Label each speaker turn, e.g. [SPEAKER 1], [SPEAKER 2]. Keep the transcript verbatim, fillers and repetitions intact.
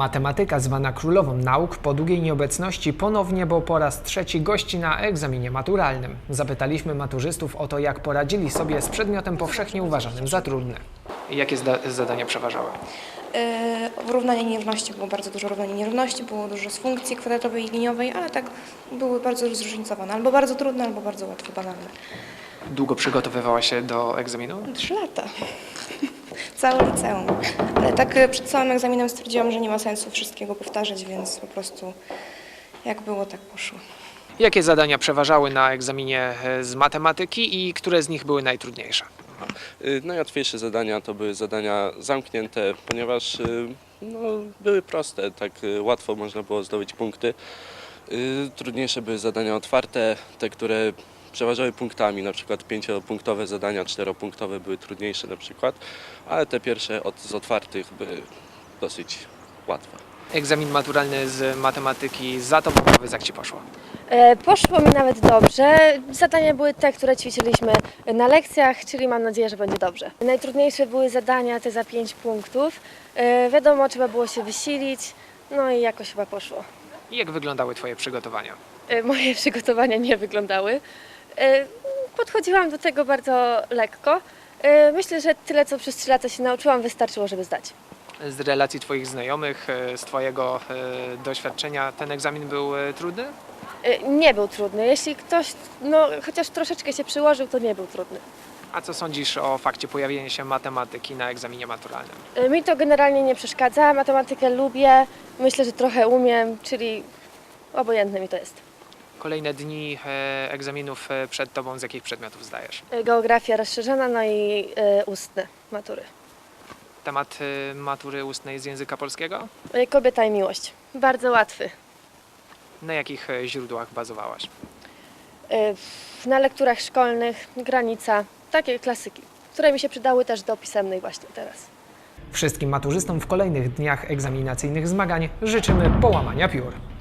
[SPEAKER 1] Matematyka, zwana królową nauk, po długiej nieobecności ponownie, bo po raz trzeci gości na egzaminie maturalnym. Zapytaliśmy maturzystów o to, jak poradzili sobie z przedmiotem powszechnie uważanym za trudny. Jakie zadania przeważały?
[SPEAKER 2] Yy, równanie nierówności, było bardzo dużo równań nierówności, było dużo z funkcji kwadratowej i liniowej, ale tak były bardzo zróżnicowane, albo bardzo trudne, albo bardzo łatwe, banalne.
[SPEAKER 1] Długo przygotowywała się do egzaminu?
[SPEAKER 2] Trzy lata. Całe liceum. Ale tak e, przed całym egzaminem stwierdziłam, że nie ma sensu wszystkiego powtarzać, więc po prostu jak było, tak poszło.
[SPEAKER 1] Jakie zadania przeważały na egzaminie z matematyki i które z nich były najtrudniejsze?
[SPEAKER 3] Najłatwiejsze zadania to były zadania zamknięte, ponieważ no, były proste, tak łatwo można było zdobyć punkty. Trudniejsze były zadania otwarte, te, które przeważały punktami, na przykład pięciopunktowe zadania, czteropunktowe były trudniejsze na przykład, ale te pierwsze od, z otwartych były dosyć łatwe.
[SPEAKER 1] Egzamin maturalny z matematyki za tobą, powiedz, jak ci poszło?
[SPEAKER 4] E, Poszło mi nawet dobrze. Zadania były te, które ćwiczyliśmy na lekcjach, czyli mam nadzieję, że będzie dobrze. Najtrudniejsze były zadania te za pięć punktów. E, Wiadomo, trzeba było się wysilić, no i jakoś chyba poszło.
[SPEAKER 1] I jak wyglądały twoje przygotowania?
[SPEAKER 4] E, Moje przygotowania nie wyglądały. E, Podchodziłam do tego bardzo lekko. E, Myślę, że tyle, co przez trzy lata się nauczyłam, wystarczyło, żeby zdać.
[SPEAKER 1] Z relacji twoich znajomych, z twojego e, doświadczenia, ten egzamin był e, trudny?
[SPEAKER 4] E, Nie był trudny. Jeśli ktoś no, chociaż troszeczkę się przyłożył, to nie był trudny.
[SPEAKER 1] A co sądzisz o fakcie pojawienia się matematyki na egzaminie maturalnym?
[SPEAKER 4] E, Mi to generalnie nie przeszkadza. Matematykę lubię, myślę, że trochę umiem, czyli obojętne mi to jest.
[SPEAKER 1] Kolejne dni e, egzaminów e, przed tobą, z jakich przedmiotów zdajesz?
[SPEAKER 4] E, Geografia rozszerzona, no i e, ustne matury.
[SPEAKER 1] Temat e, matury ustnej z języka polskiego?
[SPEAKER 4] E, Kobieta i miłość. Bardzo łatwy.
[SPEAKER 1] Na jakich e, źródłach bazowałaś?
[SPEAKER 4] E, Na lekturach szkolnych, granica, takie klasyki, które mi się przydały też do pisemnej właśnie teraz.
[SPEAKER 1] Wszystkim maturzystom w kolejnych dniach egzaminacyjnych zmagań życzymy połamania piór.